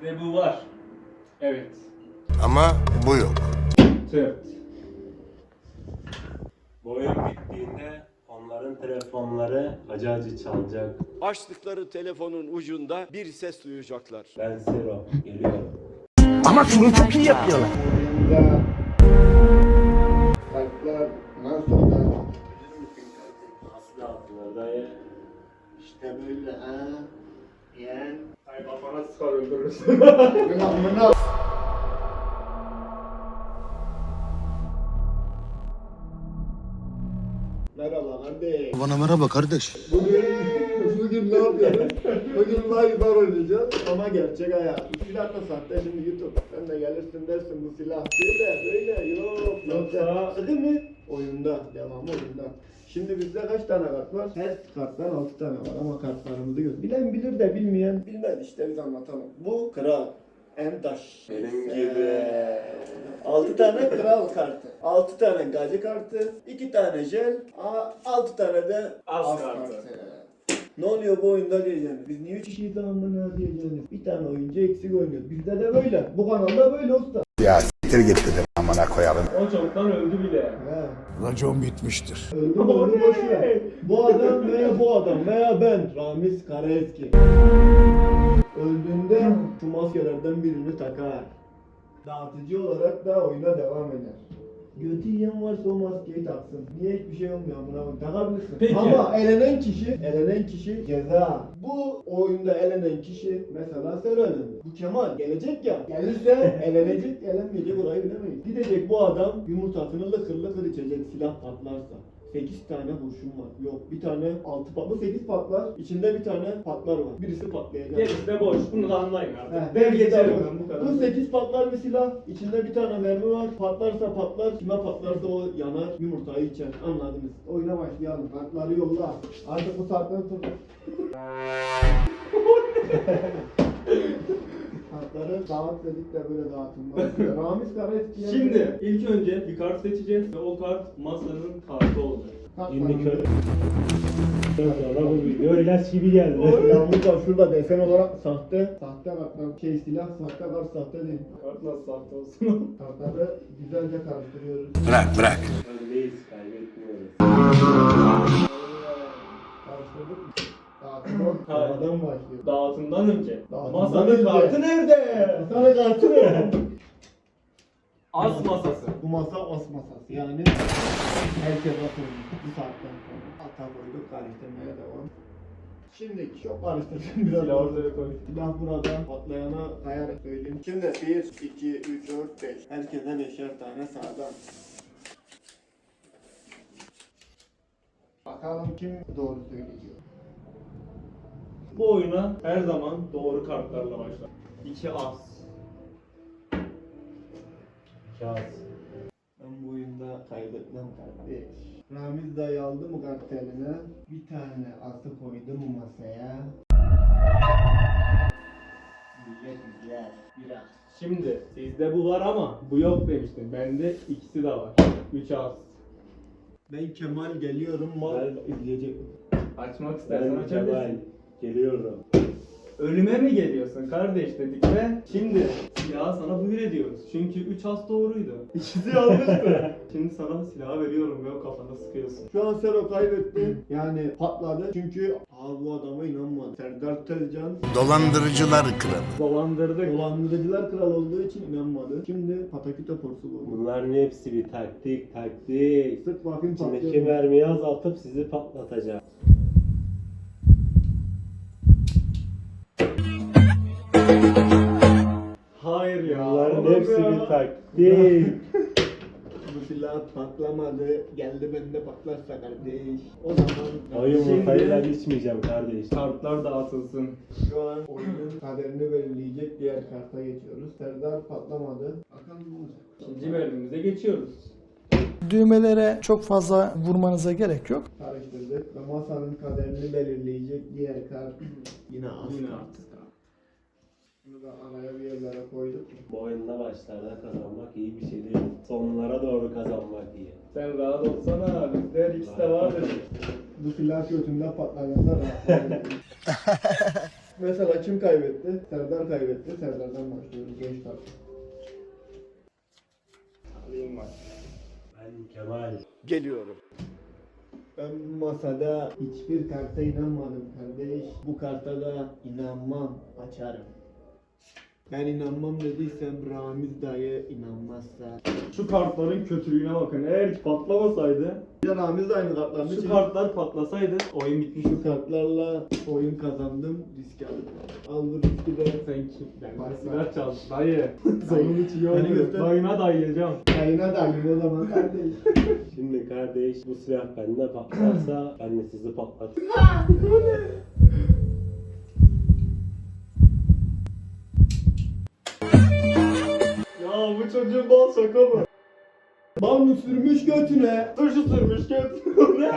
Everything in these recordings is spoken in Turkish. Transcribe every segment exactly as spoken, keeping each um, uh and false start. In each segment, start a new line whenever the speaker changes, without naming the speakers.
Sizde bu var. Evet.
Ama bu yok.
Tırt.
Bu oyun bittiğinde onların telefonları acı acı çalacak.
Açtıkları telefonun ucunda bir ses duyacaklar.
Ben Sero, geliyorum.
Ama şunu çok iyi yapıyorlar.
Oyunda kartlar nasıl da
Aslı altınlar dayı.
işte böyle ha. Yani
Ay kafana sıkar öldürürsün.
ben amına merhaba kardeş.
Bana merhaba kardeş.
Bugün bugün ne yapıyoruz? Bugün live'lar oynayacağız ama gerçek hayat. Bu silah da sahte şimdi YouTube. Sen de gelirsin dersin bu silah böyle böyle yok.
Yoksa-
Sahte mi? Oyunda. Devamı oyunda. Şimdi bizde kaç tane kart var? Her karttan altı tane var ama kartlarımızı gör. Bilen bilir de bilmeyen bilmez işte biz anlatalım. Bu kral. Endaş.
Benim gibi.
altı tane kral kartı. altı tane gacı kartı. iki tane jel. altı tane de
Az kartı.
Ne oluyor bu oyunda diyeceksiniz. Biz niye üç kişiyiz amına diyeceksiniz. Bir tane oyuncu eksik oynuyoruz. Bizde de böyle. Bu kanalda böyle usta.
Ya siktir git dedim amına koyalım.
O çoktan öldü bile.
He.
Racon bitmiştir.
Öldü mü öldü boş ver. Bu adam veya bu adam veya ben Ramiz Karaeski. Öldüğünde şu maskelerden birini takar. Dağıtıcı olarak da oyuna devam eder. Götü yiyen varsa o maskeyi taksın. Niye hiçbir şey olmuyor amına koyayım? Takabilirsin.
Peki.
Ama elenen kişi, elenen kişi ceza. Bu oyunda elenen kişi mesela sen elendin. Bu Kemal gelecek ya. Gelirse elenecek, elenmeyecek orayı bilemeyiz. Gidecek bu adam yumurtasını lıkır lıkır içecek silah patlarsa. sekiz tane kurşun var. Yok bir tane altı patlar. Bu sekiz patlar. İçinde bir tane patlar var. Birisi patlayacak.
Gerisi de boş. Bunu da anlayın artık.
Heh,
Ben
gerisi de
geçerim
boş.
ben bu kadar.
Bu sekiz patlar bir silah. İçinde bir tane mermi var. Patlarsa patlar. Kime patlarsa o yanar. Yumurtayı içer. Anladınız. Oyuna başlayalım. Kartları yolla. Artık bu saatten sonra. Kartları dağıt dedik de böyle dağıtılmaz. Ramiz Karaeski'ye...
Şimdi ilk önce bir kart seçeceğiz ve o kart masanın kartı olacak.
Günlük öyle. Sonra bu video ilaç gibi geldi.
Yalnız da şurada desen olarak sahte, sahte kartlar, şey silah, sahte kart, sahte değil.
Kart nasıl sahte olsun?
Kartları güzelce karıştırıyoruz.
Bırak bırak.
Öndeyiz, kaybetmiyoruz.
Karıştırdık mı? Dağıtım sağdan başlıyor.
Dağıtımdan önce.
Dağıtımdan
Masanın
önce.
kartı nerede?
Sana kartı ne?
Az masası.
Bu masa as masası yani herkes atıyor bu saatten sonra. Ata koyduk karıştırmaya devam. Şimdi çok karıştırdım biraz.
Silah ortaya koy.
Silah burada patlayana kayarak söyleyeyim. Şimdi bir, iki, üç, dört, beş. Herkese beşer tane sağdan. Bakalım kim doğru söyleyecek.
Bu oyuna her zaman doğru kartlarla başlar. İki as.
Kağıt.
Ben bu oyunda kaybetmem kardeş. Ramiz dayı aldı mı kart eline? Bir tane atı koydu mu masaya? Millet izler. Biraz.
Şimdi sizde bu var ama bu yok demiştim. Bende ikisi de var. Üç as.
Ben Kemal geliyorum mal
Ben-
izleyecek.
Açmak istersen
Ben Kemal,
açabilirsin.
geliyorum.
Ölüme mi geliyorsun kardeş dedik ve şimdi silahı sana buyur ediyoruz. Çünkü üç as doğruydu. İkisi yanlıştı. Şimdi sana silahı veriyorum ve o kafana sıkıyorsun.
Şu an Sero kaybetti. Yani patladı. Çünkü abi bu adama inanmadı. Serdar Tezcan
Dolandırıcılar kralı.
Dolandırdık.
dolandırıcılar kral olduğu için inanmadı. Şimdi pataküte porsu bu.
Bunların hepsi bir taktik, taktik.
Sık bakayım
İçindeki
patlıyor.
mermiyi azaltıp sizi patlatacak.
Hayır ya.
Bunların
oğlum
hepsi
ya.
bir taktik.
Bu silah patlamadı. Geldi bende patlarsa kardeş. O zaman
O yumurtayı
Şimdi-
ben içmeyeceğim kardeş.
Kartlar dağıtılsın.
şu an oyunun kaderini belirleyecek diğer karta geçiyoruz. Serdar patlamadı. Bakalım ne olacak.
İkinci bölümümüze geçiyoruz.
Düğmelere çok fazla vurmanıza gerek yok.
Karıştırdık ve masanın kaderini belirleyecek diğer kart yine az
Yine
kart.
artık.
Bunu da araya bir yerlere koyduk.
Bu oyunda başlarda kazanmak iyi bir şey değil. Sonlara doğru kazanmak iyi.
Sen rahat olsana. Bizde her ikisi de vardır.
Bu silah götünde patladığında rahatlayabilir. Mesela kim kaybetti? Serdar kaybetti. Serdar'dan başlıyoruz. Beş tane. Alayım bak.
Ben Kemal.
Geliyorum.
Ben bu masada hiçbir karta inanmadım kardeş. Bu karta da inanmam. Açarım. Ben inanmam dediysem Ramiz dayı inanmazsa.
Şu kartların kötülüğüne bakın. Eğer hiç patlamasaydı,
Bir de Ramiz de aynı kartlarını
şu
çekti.
kartlar patlasaydı oyun bitmiş.
Şu kartlarla oyun kazandım. Risk aldım. Al bu riski de.
Sen kim? Ben
Bak,
de
bak.
silah çaldım. Dayı. Sonun içi
Beni
olmuyor.
göster.
Dayına dayayacağım.
Yayına da alayım o zaman kardeş.
Şimdi kardeş bu silah bende patlarsa ben de sizi patlatırım.
Ya bu çocuğun bal şaka mı?
Bal mı sürmüş götüne?
Turşu sürmüş göt. Ne?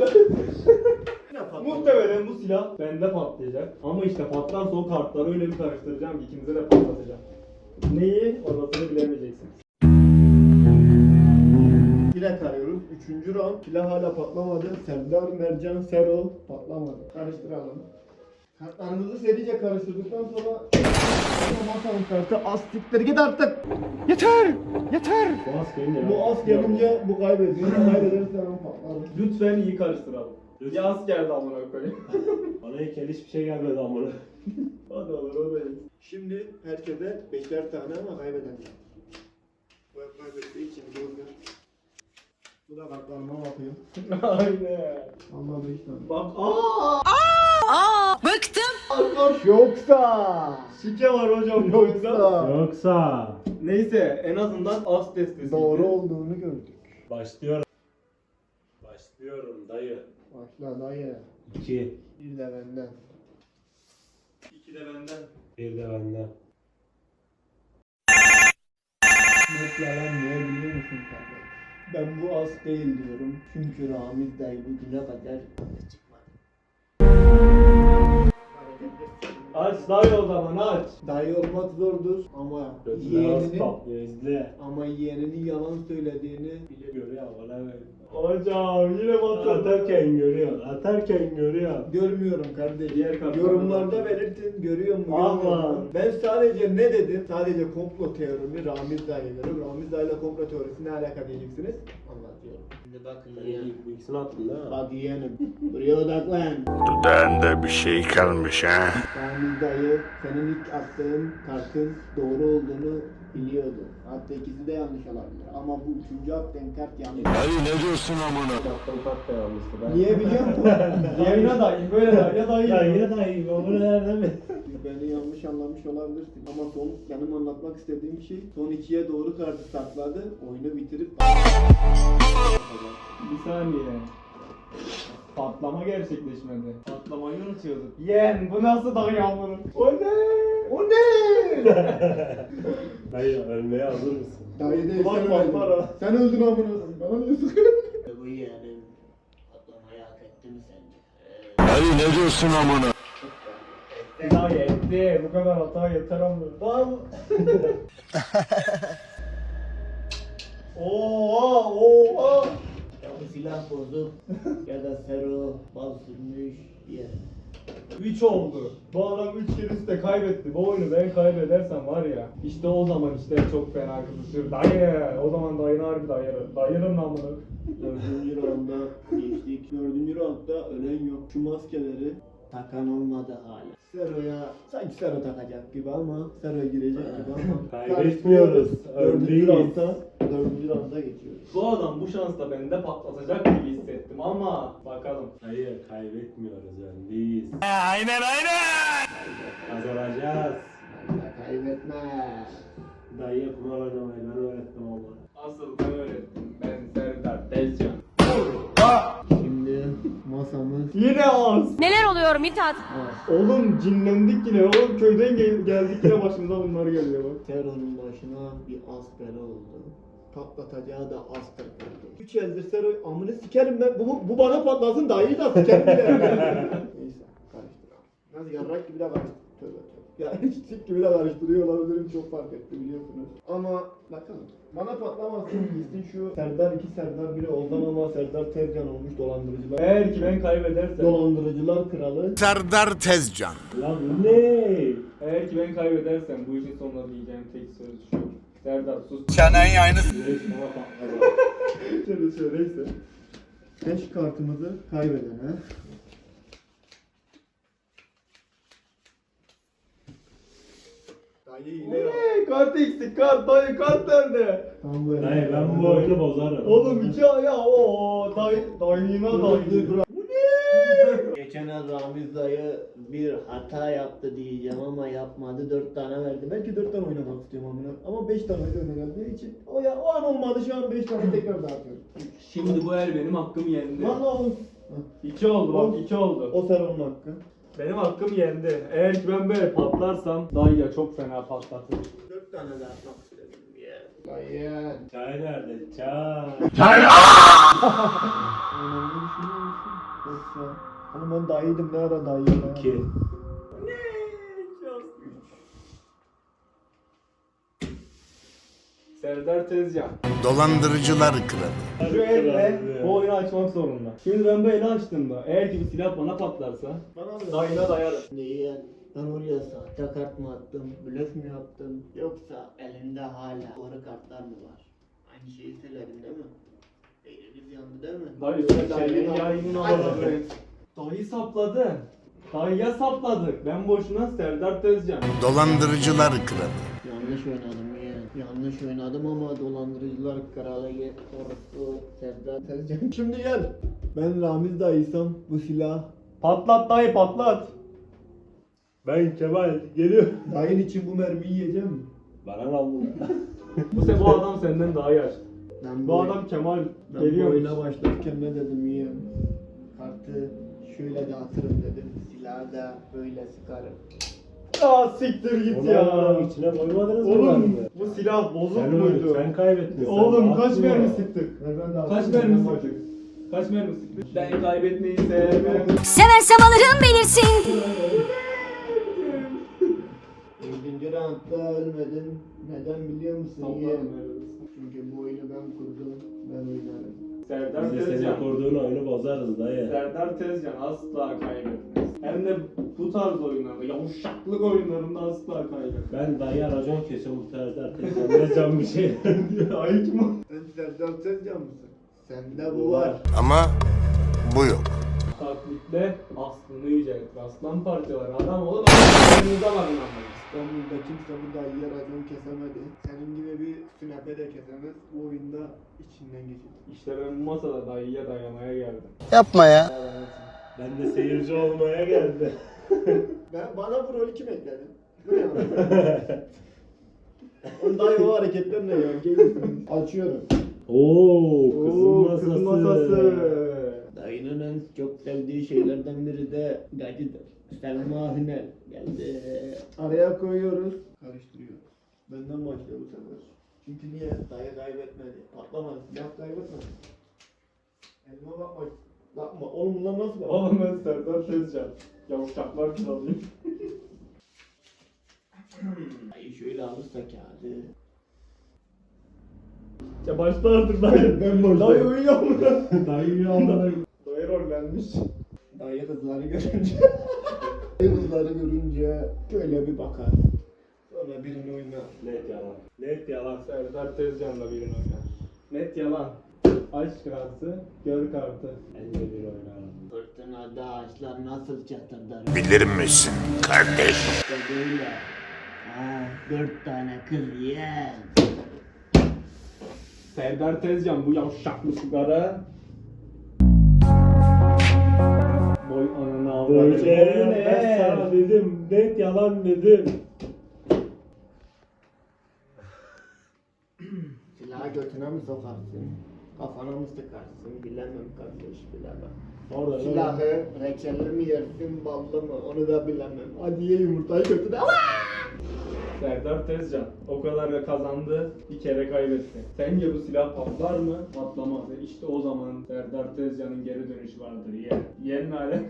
Muhtemelen bu silah bende patlayacak. Ama işte patlarsa o kartları öyle bir karıştıracağım ki ikinize de patlatacağım. Neyi? Orasını bilemeyeceksiniz.
File karıyoruz. Üçüncü round. File hala patlamadı. Serdar, Mercan, Serol patlamadı. Karıştıralım. Kartlarımızı serice karıştırdıktan sonra masanın kartı az siktir git artık. Yeter! Yeter!
Bu az gelince
Bu az gelince bu kaybediyor. Kaybederse ben patlarım.
Lütfen iyi karıştıralım.
Lütfen.
Yaz geldi amına koyayım.
Bana ilk el hiçbir şey gelmedi amına.
Hadi olur o da iyi.
Şimdi herkese beşer tane ama kaybeden. Bu hep kaybettiği için bozdur. Bu da kartlarıma bakıyor.
Aynen.
Allah beş tane.
Bak aaa!
Yoksa
Şike var hocam yoksa.
Yoksa
Yoksa
Neyse en azından az testesi.
doğru olduğunu gördük.
başlıyorum. Başlıyorum dayı.
Başla dayı.
İki.
Bir de benden.
İki de benden.
Bir de benden.
Net yalan niye biliyor musun kardeş? Ben bu az değil diyorum. Çünkü Ramiz dayı bugüne kadar çıkmadı.
Aç dayı o zaman aç.
Dayı olmak zordur ama
Gözüne az
yeğeninin
patlıyor izle.
ama yeğeninin yalan söylediğini
Bile görüyor bana.
Hocam yine batırdı.
Atarken görüyor. Atarken görüyor.
görmüyorum kardeş.
Diğer kartlara
Yorumlarda
bak.
belirtin görüyor mu?
Aman.
görmüyor mu? Ben sadece ne dedim? Sadece komplo teorimi Ramiz dayıları. Ramiz dayıyla komplo teorisi ne alaka diyeceksiniz? Anlatıyorum. Şimdi bakın
Sen ilk bu ikisini attın değil mi?
Bak yeğenim. Buraya odaklan.
Dudağında bir şey kalmış ha.
Ramiz dayı senin ilk attığın kartın doğru olduğunu biliyordu. Hatta ikisi de yanlış olabilir. Ama bu üçüncü attığın kart yanlış.
Dayı ne diyorsun amına?
Attığım kart da yanlıştı. Ben...
Niye biliyor musun?
Yayına dayı böyle dayı dayı.
Ya yine dayı. O bunu nereden mi?
Beni yanlış anlamış olabilirsin. Ama son benim anlatmak istediğim şey son ikiye doğru kartı sakladı. Oyunu bitirip
Bir saniye. Patlama gerçekleşmedi. Patlamayı unutuyorduk. Yen bu nasıl dayı amına? O ne? O ne?
Dayı ölmeye hazır mısın?
Dayı değil
Ulan
sen
bak
öldün.
para.
Sen öldün amına. Bana niye sıkıyorsun? Bu yeğenim patlamayı hak etti mi sence?
Dayı ne diyorsun amına?
Dayı etti. Bu kadar hata yeter amına. Bal. Oha oha.
Ya bu silah bozuk ya da Sero bal sürmüş diye.
üç oldu. Bu adam üç kere üstte kaybetti. Bu oyunu ben kaybedersem var ya. İşte o zaman işte çok fena kızışır. Dayı. O zaman dayını harbi dayırır. Dayırım lan bunu.
Dördüncü rounda geçtik. Dördüncü roundda ölen yok. Şu maskeleri takan olmadı hala. Sero'ya sanki Sero takacak gibi ama Sero girecek gibi ama
Kaybetmiyoruz.
Dördüncü
Öndeyiz.
roundda Dördüncü rounda geçiyoruz.
Bu adam bu şansla bende patlatacak gibi hissettim ama bakalım.
Dayı kaybetmiyoruz. Öndeyiz. Aynen aynen. Kazanacağız.
Allah kaybetme.
Dayı kumar oynamayı ben öğrettim ama.
Asıl ben öğrettim. Ben Serdar Tezcan.
Şimdi masamız
Yine az.
Neler oluyor Mithat?
az.
Oğlum cinlendik yine. Oğlum köyden gel- geldik yine başımıza bunlar geliyor bak.
Sero'nun başına bir az bela oldu. Patlatacağı da az patladı. Üç eldir Sero amını sikerim ben. Bu, bu bana patlasın dayıyı da sikerim bile. Neyse karıştıralım. Nasıl yarrak gibi de karıştırıyor. Tövbe tövbe. Ya hiç sik gibi de karıştırıyor olabilirim çok fark etti biliyorsunuz. Ama bakalım. Bana patlamasın gitsin şu Serdar iki Serdar biri ondan ama Serdar Tezcan olmuş dolandırıcılar.
Eğer ki ben kaybedersem,
Dolandırıcılar kralı.
Serdar Tezcan.
Lan bu ne?
eğer ki ben kaybedersem bu işin sonunda diyeceğim tek söz şu. Serdar sus.
Çenen aynı.
Şöyle söyleyse. Beş kartımızı kaybedene. Dayı yine yok.
Eee kart eksik kart dayı kart nerede?
Tam böyle.
Dayı ben bu oyunu bozarım.
Oğlum iki ayağı o dayı dayına dayı.
Geçen ay Ramiz dayı bir hata yaptı diyeceğim ama yapmadı. Dört tane verdi. Belki dört tane oynamak istiyorum amına. Ama beş tane de geldiği için. O ya o an olmadı şu an beş tane tekrar dağıtıyorum.
Şimdi bu el benim hakkım yendi.
Lan oğlum.
İki oldu bak iki oldu.
O Serhan'ın hakkı.
Benim hakkım yendi. Eğer ki ben böyle patlarsam dayıya çok fena patlatır.
Dört tane dağıtmak istedim ya. Dayı.
Çay nerede? Çay.
Önemli düşünüyor musun? Yoksa. Hani ben dayıydım ne ara dayı ya?
İki.
Serdar Tezcan.
Dolandırıcılar kralı.
Şu elle bu oyunu açmak zorunda. Şimdi ben bu eli açtığımda eğer ki bu silah bana patlarsa
Bana mı?
dayına dayarım.
Neyi ben oraya sahte kart mı attım, blöf mü yaptım yoksa elinde hala doğru kartlar mı var? Aynı şeyi söyledin değil mi? Eliniz yandı değil mi?
Dayı senin yayının aladı. Dayı sapladı. Dayıya sapladık. Ben boşuna Serdar Tezcan.
Dolandırıcılar kralı.
Yanlış oynadım ya. Yanlış oynadım ama dolandırıcılar kralı ye. Orası Serdar Tezcan. Şimdi gel. Ben Ramiz dayıysam bu silah.
Patlat dayı patlat.
Ben Kemal geliyorum.
Dayın için bu mermiyi yiyeceğim mi?
Bana lan bunu.
Bu sefer bu adam senden daha yaşlı.
Ben
Bu adam Kemal
Ben bu
geliyor.
oyuna başlarken ne dedim ya? Kartı şöyle dağıtırım dedim. Silahı da böyle sıkarım.
Aa siktir git
Onu
ya.
Allah'ın içine koymadınız mı?
Oğlum
lan?
bu silah bozuk
Sen,
muydu?
sen kaybettin. sen
Oğlum kaç
dağıttın
mermi
ya.
sıktık?
Ve ben de
Kaç mermi sıktık? Kaç mermi sıktık? Ben kaybetmeyi sevmem.
Seversem alırım belirsin.
Yedinci roundda ölmedim. Neden biliyor musun?
Allah'ım
Niye?
yarabbim.
Çünkü bu oyunu ben kurdum. Ben oynarım.
Serdar
Biz de senin
Tezcan.
kurduğun oyunu bozarız dayı.
Serdar Tezcan asla kaybetmez. Hem de bu tarz oyunlarda, yavuşaklık oyunlarında asla kaybetmez.
Ben dayı racon kesiyorum bu tarzda. Ne can bir şey diyor.
Ay kim o?
Sen Serdar Tezcan mısın? Sende bu var.
Ama bu yok.
Taklitle aslını yüceltir. Aslan parçaları adam olun ama yanınıza varın ama.
İstanbul'da kimse bu dayıya racon kesemedi. Senin gibi bir sünepe de kesemez. Bu oyunda içinden geçir.
İşte ben bu masada dayıya dayamaya geldim.
Yapma ya.
Ben de seyirci olmaya geldim.
Ben, bana bu rolü kim ekledi? Bu ne lan? Oğlum dayı o hareketler ne ya? Gelin. Açıyorum.
Oo, kızın
Oo,
masası.
kızın masası.
Dayının en çok sevdiği şeylerden biri de gacıdır. Selma Hünel geldi. Araya koyuyoruz. Karıştırıyoruz. Benden başlıyor bu sefer. Çünkü niye? Dayı kaybetmedi. Patlamadı. Silah kaybetmedi. Elma bakma. Bakma. Oğlum bunlar nasıl bak?
Oğlum ben Serdar Tezcan. Yavuşaklar kralıyım.
Dayı şöyle alırsa kağıdı.
Ya başla artık dayı.
Ben başlayayım.
Dayı uyuyor mu?
Dayı yanına.
Dayı rollenmiş.
Dayı kızları görünce Dayı kızları görünce şöyle bir bakar. Sonra birini oynar.
Net yalan. Net yalan.
Serdar Tezcan'la birini oynar. Net yalan. Aşk kartı, gör kartı.
En de bir oynarım.
Fırtınada ağaçlar nasıl çatırdar?
Bilir misin kardeş?
İşte böyle. Ha, dört tane kız yiyen.
Serdar Tezcan bu yavşaklı sigara. Boy ananı avradı.
Böyle
Boy
ben
ne?
sana dedim. Net yalan dedim.
Silahı götüne mi sokarsın? Kafana mı sıkarsın? Bilemem kardeş, bilemem.
Orada
Silahı reçelli mi yersin, ballı mı? Onu da bilemem. Hadi ye yumurtayı götüne.
Serdar Tezcan o kadar da kazandı, bir kere kaybetti. Sence bu silah patlar mı? Patlamaz. İşte o zaman Serdar Tezcan'ın geri dönüşü vardır. Yen. Yen hale.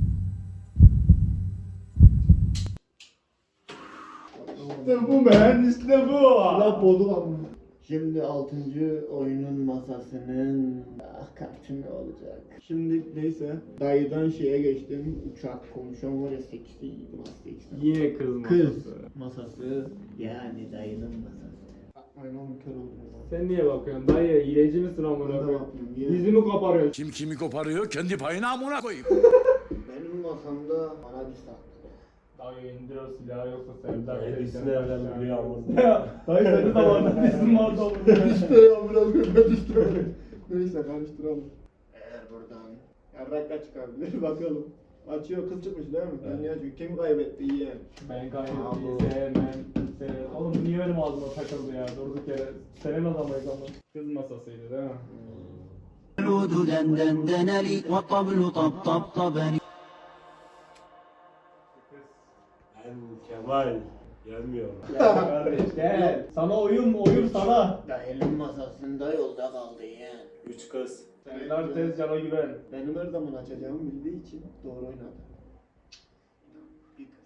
İşte bu ben, İşte bu.
Silah bozuk ama. Şimdi altıncı oyunun masasının ah kartı ne olacak? Şimdi neyse dayıdan şeye geçtim. Uçak konuşan var ya seksi seksi.
Yine kız masası.
Kız masası. Yani dayının masası. Aynen oğlum kör oldum.
Sen niye bakıyorsun dayı? Hileci misin amına
Ben de
koyayım?
bakmıyorum. Niye?
Yüzümü koparıyorsun.
Kim kimi koparıyor kendi payına amına koyayım.
Benim masamda bana bir saklı.
Dayı indir o silahı yoksa Serdar
Hepsini
teyzen
nereden
aşağı
biliyor
indir.
ama.
Ya, dayı senin zamanında bizim vardı oğlum.
İşte ya biraz ben istemedim. Neyse karıştıralım. Eğer buradan yarrakla çıkabilir bakalım. Açıyor kız çıkmış değil mi? Ben niye açıyor? Kim kaybetti yeğen?
Ben
Aa,
kaybettiği
bu.
sevmem. sevmem. Oğlum bu niye benim ağzıma takıldı ya? Durduk yere. Senin adamıydı ama. Kız masasıydı değil mi?
العود دندن لي والطبل طبطبني
Ben Kemal. Gelmiyorum.
Gel kardeş gel. Sana oyun oyun sana.
Dayının masasında yolda kaldı yeğen.
Üç kız.
Serdar Tezcan'a güven.
Benim her zaman açacağımı bildiği için doğru oynadı. Bir kız.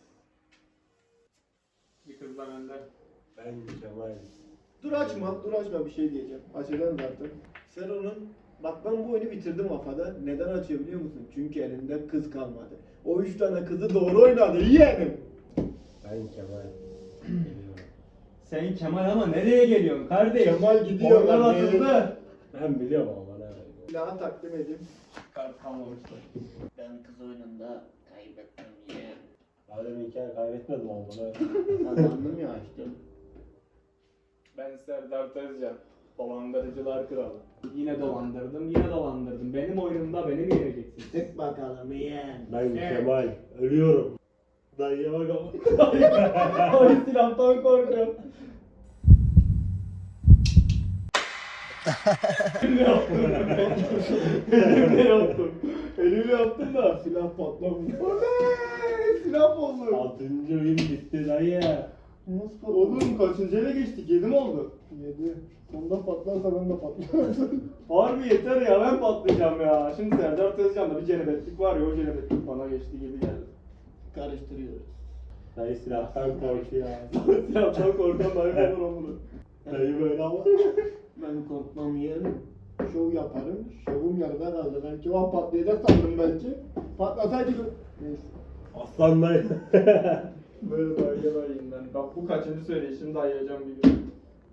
Bir kız da benden.
Ben Kemal.
Dur açma, dur açma bir şey diyeceğim. Açacağım zaten. Sen onun, bak ben bu oyunu bitirdim kafada. Neden açıyor biliyor musun? Çünkü elinde kız kalmadı. O üç tane kızı doğru oynadı yeğenim.
Ben Kemal. Geliyorum.
Sen Kemal ama nereye geliyorsun kardeş?
Kemal gidiyor
Oyunlar
lan,
atıldı.
Ben biliyorum ama bana.
Silahı takdim edeyim.
Kart kalmamıştı.
Ben kız oyununda kaybettim yeğen.
Daha demin hikaye kaybetmedim ama bana.
Kazandım ya açtım.
Ben Serdar Tezcan. Dolandırıcılar kralı. Yine dolandırdım, yine dolandırdım. Benim oyunumda beni mi yeneceksin?
Tık bakalım yeğen.
Ben
Evet.
Kemal. Ölüyorum. Dayıya bak ama.
Ay silahtan korkuyorum. Elimle yaptım. Elimle yaptım. Elimle yaptım da silah patlamış. Oley! Silah bozuldu.
Altıncı oyun bitti dayı.
Nasıl patladı?
Oğlum kaçıncı ele geçtik? Yedi mi oldu?
Yedi. Sonunda patlarsa ben de patlarım.
Harbi yeter ya ben patlayacağım ya. Şimdi Serdar Tezcan'da bir cenebetlik var ya o cenebetlik bana geçti gibi geldi.
Karıştırıyoruz.
Dayı silahtan korkuyor.
Silahtan korkan dayı olur onu.
Dayı böyle ama.
Ben korkmam yeğenim. Şov yaparım. Şovum yarıda kaldı. Belki o an patlayacak sandım belki. Patlasaydı... Neyse.
Aslan dayı.
Böyle dayıya dayıyım ben. Bak bu kaçıncı söyleyişim dayayacağım bir gün.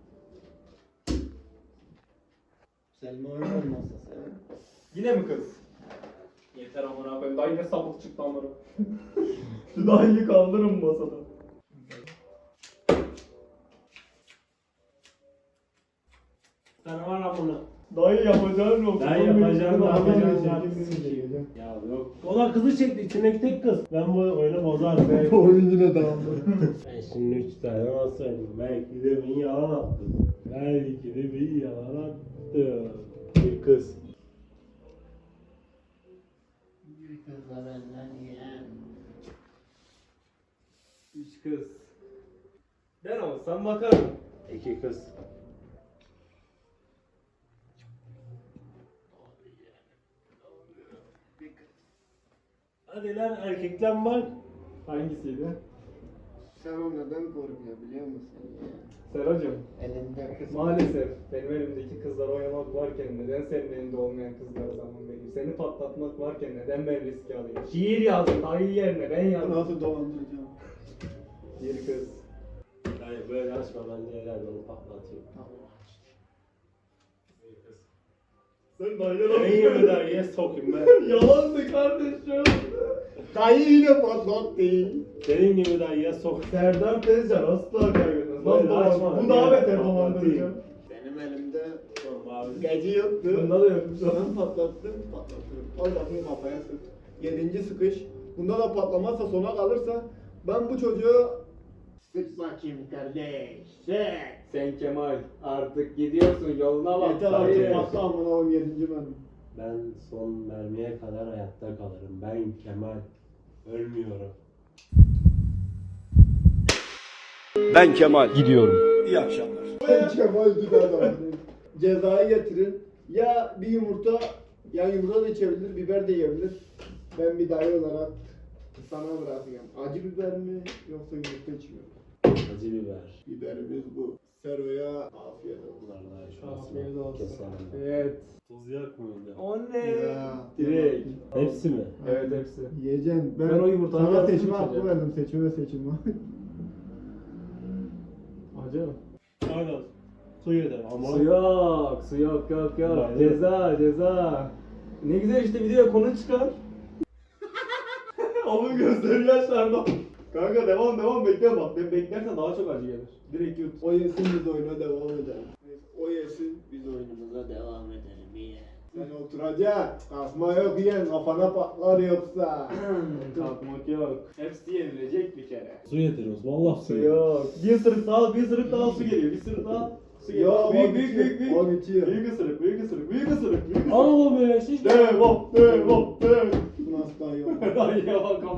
Selma oynar masası.
Yine mi kız? Yeter amına koyayım. Dayı ne sapık çıktı amına. Şu dayıyı kaldırın masada.
Sana var lan bunu.
Dayı yapacağın yok.
Dayı yapacağın
Dayı
yapacağın
yapacağın.
Ya yok. O da kızı çekti. İçindeki tek kız. Ben bu oyunu bozarım. Ben,
Bu oyun yine dağıldı.
ben şimdi üç tane nasıl söyleyeyim? Belki de bir yalan attım. Belki de bir yalan attım. Bir kız.
Bir kızla benden yeğen.
Üç kız. Ben olsam bakarım.
İki kız.
Bir kız.
Hadi lan erkekten bak.
Hangisiydi?
Sen o neden korkuyor biliyor musun yeğen?
Seracığım.
Elinde kız.
Maalesef benim elimdeki kızlar oynamak varken neden senin elinde olmayan kızlara zaman vereyim? Seni patlatmak varken neden ben riski alayım? Şiir yazdım dayı yerine ben yazdım.
Nasıl dolandıracağım?
Bir kız.
Dayı böyle açma ben de herhalde onu patlatayım. Bir kız.
Sen dayıya
Ben gibi dayıya sokayım ben.
Yalandı kardeşim.
Dayı yine patlattı.
Senin gibi dayıya sok.
Serdar Tezcan asla kaybetmez.
Böyle
Nasıl
açma.
dolandırıcı? Bu daha beter
Patlatayım.
dolandırıcı.
Benim elimde
Abi.
gece yoktu.
Bunda da yok.
Ben patlattım, patlattım. Al bakayım kafaya sık. Yedinci sıkış. Bunda da patlamazsa sona kalırsa ben bu çocuğu sık bakayım kardeş. Sık.
Sen Kemal artık gidiyorsun yoluna bak.
Yeter
dayı.
artık patla amına koyayım yedinci benim.
Ben son mermiye kadar hayatta kalırım. Ben Kemal. Ölmüyorum.
Ben Kemal.
Ben Kemal gider adam. Cezayı getirin. Ya bir yumurta, ya yumurta da içebilir, biber de yiyebilir. Ben bir dayı olarak sana bırakıyorum. Acı biber mi yoksa yumurta içmiyorum?
Acı biber.
Biberimiz bu. Sero'ya afiyet olsun.
Bunlar da şu
Afiyet olsun.
keselim.
Evet.
Tuz yok muydu?
O ne?
Ya.
Direkt.
Hepsi mi?
Evet hepsi.
Yiyeceğim. Ben,
Ben o yumurtanın
sana
yarısını
seçme hakkı
içeceğim.
verdim. Seçme seçilme.
Acı mı?
Aynen. Su yeter ama.
Su yok, su yok, yok, yok.
Vay be.
Ceza, ceza. Ne güzel işte videoya konu çıkar. Onun gözleri yaşardı. Kanka devam devam bekle bak. Ben beklersen daha çok acı gelir. Direkt yut.
O yesin biz oyuna devam edelim. O yesin biz oyunumuza devam edelim. İyi. Sen oturacaksın. Kalkma yok yiyen kafana patlar yoksa.
Kalkmak yok. Hepsi yenilecek bir kere.
Su getiriyoruz. Vallahi su
Su
getiriyoruz.
yok. Bir ısırık daha, bir ısırık daha su geliyor. Bir ısırık daha su geliyor.
Yok,
büyük
o
büyük
bitiyor,
büyük büyük.
o bitiyor.
Büyük ısırık, büyük ısırık, büyük ısırık, büyük ısırık.
Ama böyle şiş.
Devam, devam, devam.
Bu nasıl daha yok?
Ay ya bakalım.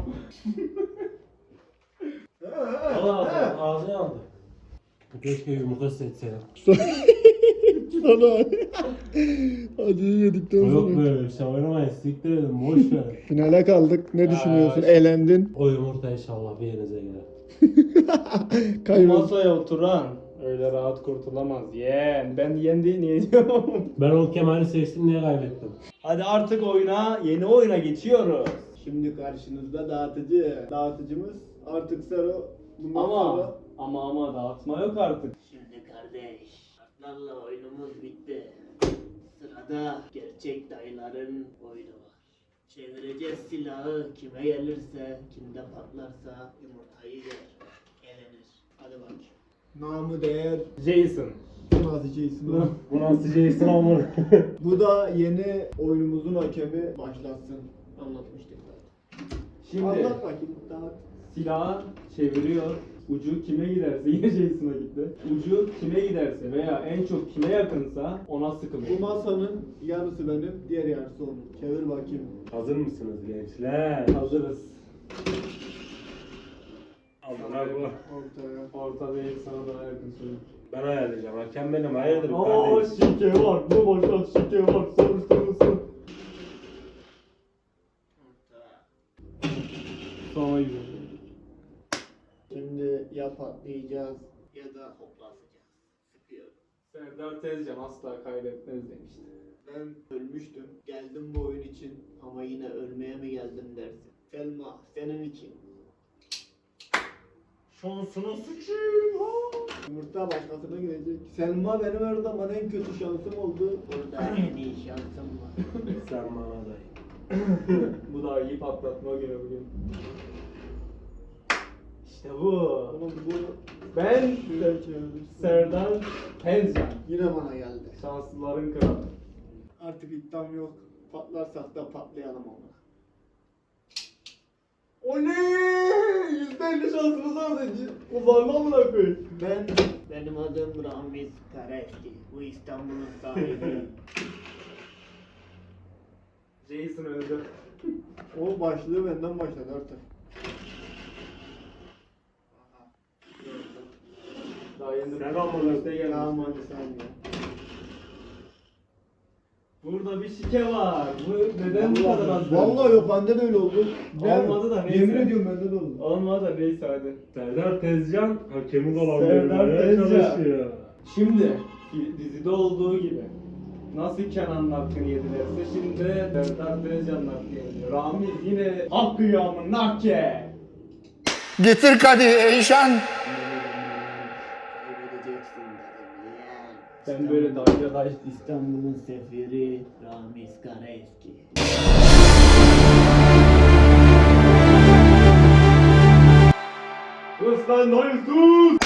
Ağzına ağzına aldı. Keşke yumurta seçseydim.
Sana acıyı yedikten
Yok böyle bir şey oynamayın. Siktir edin. Boş ver.
Finale kaldık. Ne düşünüyorsun?
Aa,
Eğlendin.
O yumurta inşallah bir yerinize gider.
Kaybol.
Masaya oturan öyle rahat kurtulamaz. Yeğen. Ben yeğen değil niye diyorum?
Ben o Kemal'i seçtim niye kaybettim?
Hadi artık oyuna, yeni oyuna geçiyoruz.
Şimdi karşınızda dağıtıcı. Dağıtıcımız artık Sero. Bundan
Ama
sonra
ama ama dağıtma yok artık.
Şimdi kardeş, kartlarla oyunumuz bitti. Sırada gerçek dayıların oyunu var. Çevireceğiz silahı, kime gelirse, kimde patlarsa yumurtayı yer, elenir. Hadi bak.
namı değer.
Jason.
Bu nasıl şeysin lan?
Bu nasıl Jason olmalı?
Bu da yeni oyunumuzun hakemi başlatsın. Anlatmıştık zaten.
Şimdi
Anlat bakayım. Dağıt.
silahı çeviriyor. Ucu kime giderse yine Jason'a gitti. Ucu kime giderse veya en çok kime yakınsa ona
Bu
sıkılıyor.
masanın yarısı benim, diğer yarısı onun. Çevir bakayım.
Hazır mısınız gençler?
Hazırız.
Amına bu.
Ortaya.
Orta değil sana daha yakın söyleyeyim.
Ben ayarlayacağım. Hakem benim. Hayırdır
Oo
kardeşim?
şike var. Bu boşa şike var. Soruşturulsun. Sonra gidiyor.
Şimdi ya patlayacağız.
Ya da hoplatacağız. Sıkıyorum.
Serdar Tezcan asla kaybetmez demişti.
Ben ölmüştüm. Geldim bu oyun için.
Ama yine ölmeye mi geldim dersin?
Selma senin için.
Şansına sıçayım ha.
Yumurta başkasına gidecek. Selma benim her zaman en kötü şansım oldu.
Burada en iyi şansım var.
Sen bana dayı.
Bu da iyi patlatma günü bugün. İşte bu.
Oğlum bu
Ben
güzel çevirmiş.
Serdar Tezcan.
Yine bana geldi.
Şanslıların kralı.
Artık iddiam yok. Patlarsak da patlayalım ama.
Oley! yüzde elli şansımız vardı. Kullanma amına koyayım.
Ben
Benim adım Ramiz Karaeski. Bu İstanbul'un sahibi.
Jason öldü.
o başlığı benden başladı artık. Aha.
Daha yeni
Sen amına
işte gelmiş.
Tamam hadi sen ya.
Burada bir şike var. Bu neden bu kadar az?
Vallahi yok bende de öyle oldu.
Olmadı da neyse.
Yemin ediyorum bende de oldu.
Olmadı da neyse hadi.
Serdar Tezcan hakemi
Serdar
dolandırmaya
Tezcan.
çalışıyor.
Şimdi dizide olduğu gibi nasıl Kenan'ın hakkını yedilerse şimdi Serdar Tezcan'ın hakkını yediler. Ramiz yine hak kıyamın nakke.
Getir kadeh Eyşan.
Kaybedeceksin dedim yeğen.
Ben böyle dayıya dayı
İstanbul'un sefiri Ramiz Karaeski.
sus lan dayı sus.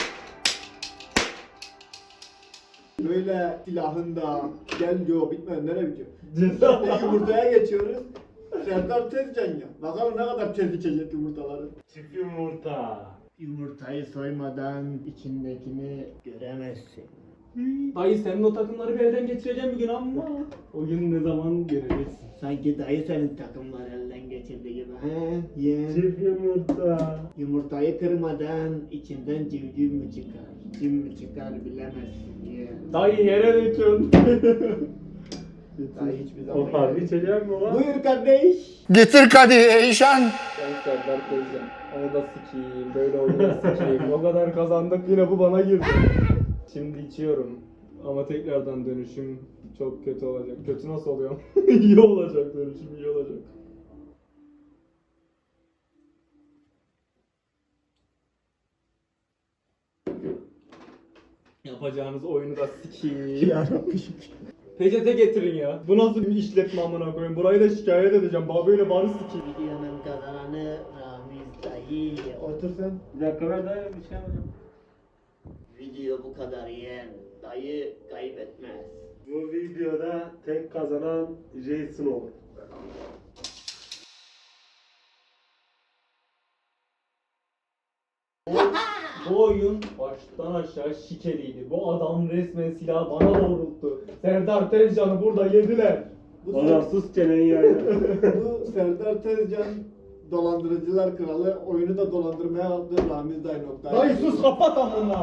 Böyle silahın da gel diyor bitmeden nereye bitiyor?
Ceza.
Şimdi yumurtaya geçiyoruz. Serdar Tezcan ya. Bakalım ne kadar tez içecek yumurtaları.
Çift yumurta.
Yumurtayı soymadan içindekini göremezsin.
Dayı senin o takımları bir elden geçireceğim bir gün ama o gün ne zaman göreceksin.
Sanki dayı senin takımlar elden geçirdi gibi. He, yeğen.
Çift yumurta.
Yumurtayı kırmadan içinden civciv mi çıkar? Cim mi çıkar bilemezsin yeğen.
Dayı yere döküyorsun.
Dayı hiçbir zaman.
O harbi içecek mi lan?
Buyur kardeş.
Getir kadeh Eyşan.
Sen Serdar Tezcan. Onu da sikeyim, böyle oyunu da sikeyim. O kadar kazandık yine bu bana girdi. Şimdi içiyorum. Ama tekrardan dönüşüm çok kötü olacak. Kötü nasıl oluyor? İyi olacak dönüşüm, iyi olacak. Yapacağınız oyunu da sikeyim.
Yarabbim.
Peçete getirin ya. Bu nasıl bir işletme amına koyayım? Burayı da şikayet edeceğim. Baba böyle bari sikeyim.
Videonun kazananı Ramiz dayı.
Otur sen.
Bir dakika ben de bir şey yapacağım.
Video bu kadar yiyen dayı kaybetmez.
Bu videoda tek kazanan Jason olur.
Bu oyun baştan aşağı şikeliydi. Bu adam resmen silahı bana doğrulttu. Serdar Tezcan'ı burada yediler.
Bu,
Oğlum sus çeneni yayla.
bu Serdar Tezcan dolandırıcılar kralı oyunu da dolandırmaya aldı Ramiz Dayı nokta.
Dayı sus kapat amına.